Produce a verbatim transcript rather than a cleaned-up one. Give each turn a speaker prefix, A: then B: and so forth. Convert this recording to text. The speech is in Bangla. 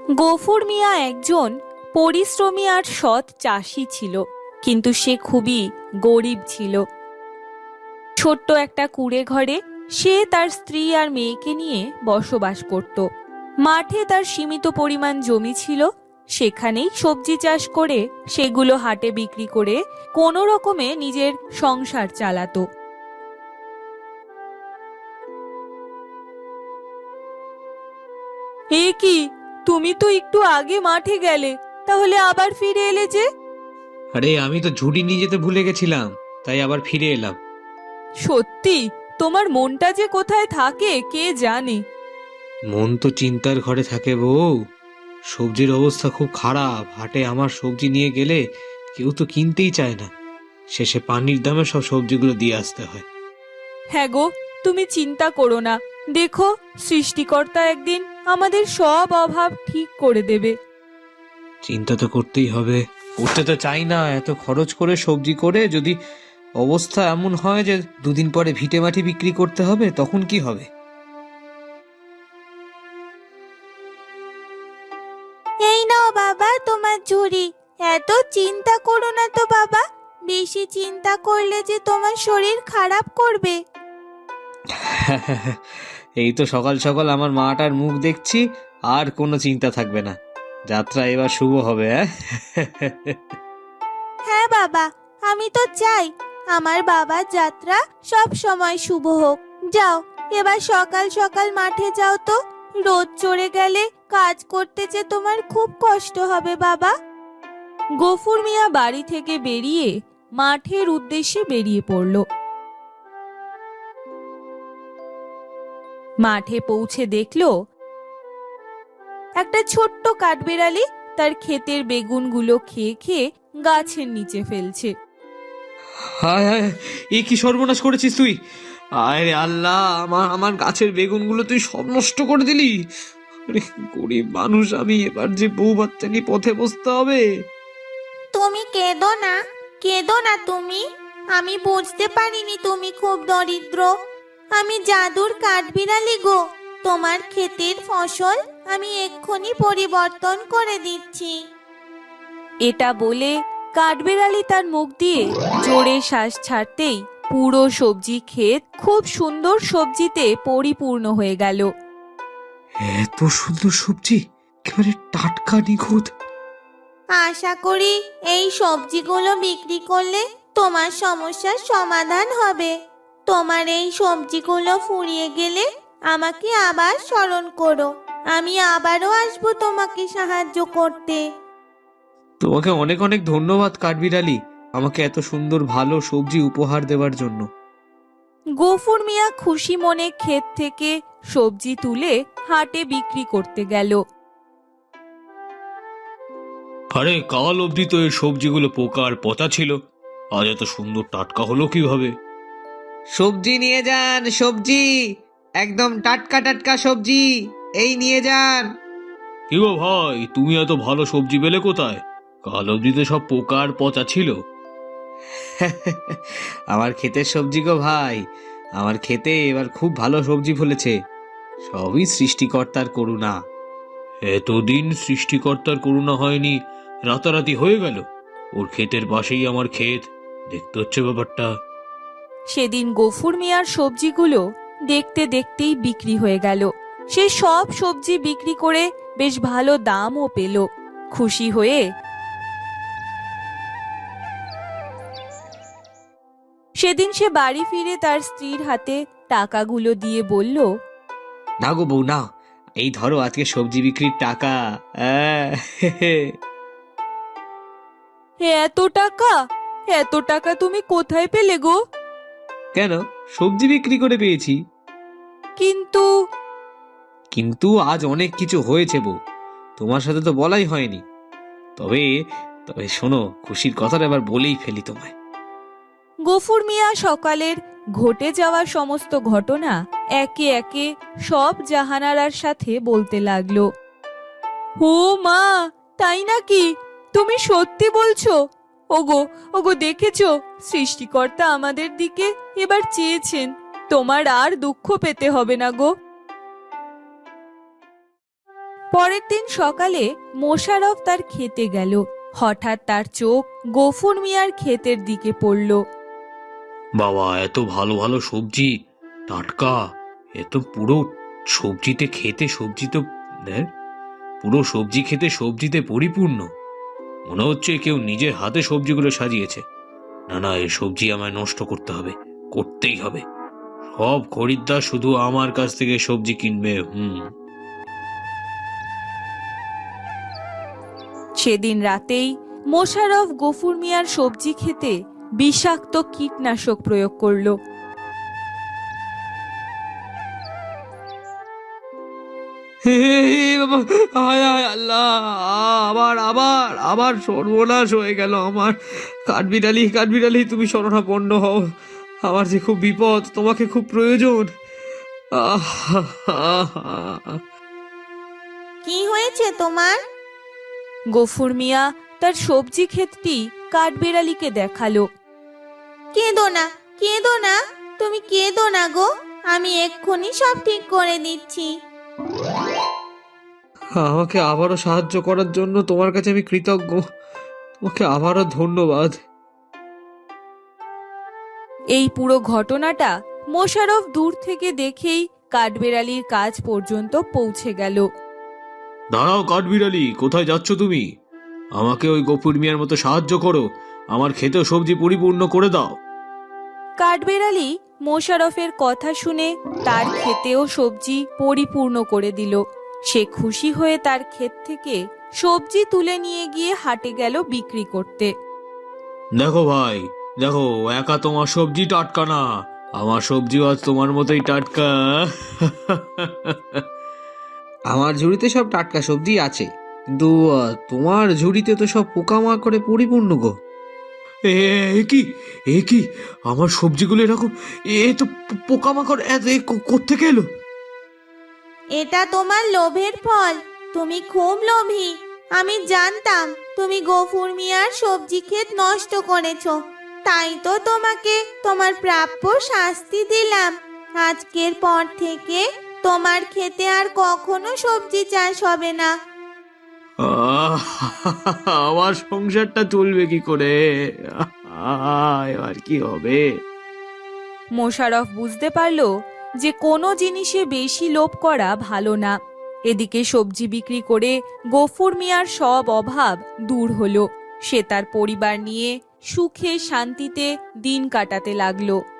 A: গফুর মিয়া একজন পরিশ্রমী আর সৎ চাষি ছিল, কিন্তু সে খুবই গরিব ছিল। ছোট্ট একটা কুঁড়ে ঘরে সে তার স্ত্রী আর মেয়েকে নিয়ে বসবাস করত। মাঠে তার সীমিত পরিমাণ জমি ছিল, সেখানেই সবজি চাষ করে সেগুলো হাটে বিক্রি করে কোনো রকমে নিজের সংসার চালাতো। এ কি, তুমি তো একটু আগে মাঠে গেলে, তাহলে আবার ফিরে এলে যে?
B: আরে আমি তো ঝুড়ি নিয়ে যেতে ভুলে গেছিলাম, তাই আবার ফিরে এলাম।
A: সত্যি তোমার মনটা যে কোথায় থাকে কে জানে।
B: মন তো চিন্তার ঘরে থাকে বউ। সবজির অবস্থা খুব খারাপ, হাটে আমার সবজি নিয়ে গেলে কেউ তো কিনতেই চায় না। শেষে পানির দামে সব সবজিগুলো দিয়ে আসতে হয়।
A: হ্যাঁ গো, তুমি চিন্তা করো না, দেখো সৃষ্টিকর্তা একদিন আমাদের সব অভাব ঠিক করে দেবে।
B: চিন্তা তো করতেই হবে, করতে তো চাই না। এত খরচ করে সবজি করে যদি অবস্থা এমন হয় যে দুদিন পরে ভিটে মাটি বিক্রি করতে হবে, তখন কি হবে?
A: এই নাও বাবা তোমার ঝুড়ি। এত চিন্তা করো না তো বাবা, বেশি চিন্তা করলে যে তোমার শরীর খারাপ করবে।
B: এই তো সকাল সকাল আমার মাটার মুখ দেখছি, আর কোনো চিন্তা থাকবে না। যাত্রা এবার শুভ হবে।
A: হ্যাঁ বাবা, আমি তো চাই আমার বাবার যাত্রা সব সময় শুভ হোক। যাও, এবার সকাল সকাল মাঠে যাও তো, রোদ চড়ে গেলে কাজ করতে যে তোমার খুব কষ্ট হবে বাবা। গফুর মিয়া বাড়ি থেকে বেরিয়ে মাঠের উদ্দেশ্যে বেরিয়ে পড়ল। মাঠে পৌঁছে দেখল একটা ছোট্ট কাঠবিড়ালি তার ক্ষেতের বেগুনগুলো খেয়ে খেয়ে গাছের নিচে ফেলছে।
B: হায় হায়, এ কি সর্বনাশ করেছিস তুই! আরে আল্লাহ, আমার আমার গাছের বেগুনগুলো তুই সব নষ্ট করে দিলি। আরে গরিব মানুষ আমি, এবার যে বউ বাচ্চা নিয়ে পথে বসতে হবে।
C: তুমি কেঁদো না, কেঁদো না তুমি। আমি বুঝতে পারিনি তুমি খুব দরিদ্র। আমি জাদুর কাঠবিড়ালি গো, তোমার ক্ষেতের ফসল আমি এক্ষুনি পরিবর্তন করে দিচ্ছি।
A: এটা বলে কাঠবিড়ালি তার মুখ দিয়ে জোরে শ্বাস ছাড়তেই পুরো সবজি ক্ষেত খুব সুন্দর সবজিতে পরিপূর্ণ হয়ে গেল।
B: এত সুন্দর সবজি, একেবারে টাটকা নিখুঁত।
C: আশা করি এই সবজিগুলো বিক্রি করলে তোমার সমস্যার সমাধান হবে। তোমার এই সবজিগুলো ফুরিয়ে গেলে আমাকে আবার স্মরণ করো, আমি আবারও আসবো তোমাকে সাহায্য করতে।
B: তোমাকে অনেক অনেক ধন্যবাদ কাঠবিড়ালি, আমাকে এত সুন্দর ভালো সবজি উপহার দেওয়ার জন্য।
A: গফুর মিয়া খুশি মনে ক্ষেত থেকে সবজি তুলে হাটে বিক্রি করতে গেল।
B: আরে কাল অবধি তো এই সবজিগুলো পোকা আর পচা ছিল, আজ এত সুন্দর টাটকা হলো কিভাবে? সবজি নিয়ে যান, সবজি একদম টাটকা টাটকা সবজি, এই নিয়ে যান। কি গো ভাই, তুমি এত ভালো সবজি পেলে কোথায়? কাল অবধি তো সব পোকা আর পচা ছিল। আমার ক্ষেতের সবজি গো ভাই, আমার ক্ষেতে এবার খুব ভালো সবজি ফলেছে। সবই সৃষ্টিকর্তার করুণা। এতদিন সৃষ্টিকর্তার করুণা হয়নি, রাতারাতি হয়ে গেল। ওর ক্ষেতের পাশেই আমার ক্ষেত, দেখতে হচ্ছে ব্যাপারটা।
A: সেদিন গফুর মিয়ার সবজিগুলো দেখতে দেখতেই বিক্রি হয়ে গেল। সে সব সবজি বিক্রি করে বেশ ভালো দামও পেল। খুশি হয়ে সেদিন সে বাড়ি ফিরে তার স্ত্রীর হাতে টাকাগুলো দিয়ে বলল,
B: না গো বউ না, এই ধরো আজকে সবজি বিক্রির টাকা। আহ,
A: এত টাকা? এত টাকা তুমি কোথায় পেলে গো?
B: কেন, সবজি বিক্রি করে পেয়েছি।
A: কিন্তু
B: কিন্তু আজ অনেক কিছু হয়েছে বউ, তোমার সাথে তো বলাই হয়নি। তবে তবে শোনো, খুশির কথাটা এবার বলেই ফেলি তোমায়।
A: গফুর মিয়া সকালের ঘটে যাওয়া সমস্ত ঘটনা একে একে সব জাহানারার সাথে বলতে লাগলো। ও মা, তাই নাকি? তুমি সত্যি বলছো? ওগো ওগো, দেখেছো, সৃষ্টিকর্তা আমাদের দিকে এবার চেয়েছেন। তোমার আর দুঃখ পেতে হবে না গো। পরের দিন সকালে মোশাররফ তার খেতে গেল। হঠাৎ তার চোখ গফুর মিয়ার ক্ষেতের দিকে পড়ল।
B: বাবা, এত ভালো ভালো সবজি, টাটকা, এত পুরো সবজিতে খেতে, সবজি তো দেখ, পুরো সবজি খেতে সবজিতে পরিপূর্ণ। মনে হচ্ছে কেউ নিজের হাতে সবজিগুলো সাজিয়েছে। না না, এই সবজি আমায় নষ্ট করতে হবে, করতেই হবে। সব খরিদ্দার শুধু আমার কাছ থেকে সবজি কিনবে। হুম
A: সেদিন রাতেই মোশাররফ গফুর মিয়ার সবজি খেতে বিষাক্ত কীটনাশক প্রয়োগ করলো।
B: হে বাবা, হায় হায় আল্লাহ, আবার আবার আবার সর্বনাশ হয়ে গেল আমার। কাঠবিড়ালি, কাঠবিড়ালি, তুমি শরণাপন্ন হও। আমার যে খুব বিপদ, তোমাকে খুব প্রয়োজন। আহ, আহ, আহ।
C: কি হয়েছে তোমার?
A: গফুর মিয়া তার সবজি ক্ষেতটি কাঠবিড়ালিকে দেখালো।
C: কেঁদো না, কেঁদো না, তুমি কেঁদো না গো, আমি এক্ষুনি সব ঠিক করে দিচ্ছি।
B: আমাকে আবারও সাহায্য করার জন্য তোমার কাছে আমি কৃতজ্ঞ। তোমাকে আবারও ধন্যবাদ।
A: এই পুরো ঘটনাটা মোশাররফ দূর থেকে দেখেই কাঠবিড়ালির কাজ পর্যন্ত পৌঁছে গেল।
B: দাঁড়াও কাঠবিড়ালি, কোথায় যাচ্ছ তুমি? আমাকে ওই গফুর মিয়ার মতো সাহায্য করো, আমার খেতেও সবজি পরিপূর্ণ করে দাও।
A: কাঠবিড়ালি মোশাররফের কথা শুনে তার ক্ষেতেও সবজি পরিপূর্ণ করে দিল। সে খুশি হয়ে তার ক্ষেত থেকে সবজি তুলে নিয়ে গিয়ে হাটে গেল বিক্রি করতে।
B: দেখো ভাই, দেখো, একা তোমার সবজি টাটকা না, আমার সবজিও আজ তোমার মতোই টাটকা। আমার ঝুড়িতে সব টাটকা সবজি আছে, কিন্তু আহ, তোমার ঝুড়িতে তো সব পোকামাকড়ে পরিপূর্ণ গো। এ এ কি, এ কি, আমার সবজিগুলো এরকম, এ তো পো- পোকামাকড় এত এ কো- কোত্থেকে এলো?
C: এটা তোমার লোভের ফল, তুমি খুব লোভী। আমি জানতাম তুমি গফুর মিয়ার সবজি ক্ষেত নষ্ট করেছো, তাই তো তোমাকে তোমার প্রাপ্য শাস্তি দিলাম। আজকের পর থেকে তোমার ক্ষেতে আর কখনো সবজি চাষ হবে না।
B: আহ, আমার সংসারটা চলবে কি করে? আহ, এবার কি হবে?
A: মোশাররফ বুঝতে পারল যে কোনো জিনিসে বেশি লোভ করা ভালো না। এদিকে সবজি বিক্রি করে গফুর মিয়ার সব অভাব দূর হলো। সে তার পরিবার নিয়ে সুখে শান্তিতে দিন কাটাতে লাগলো।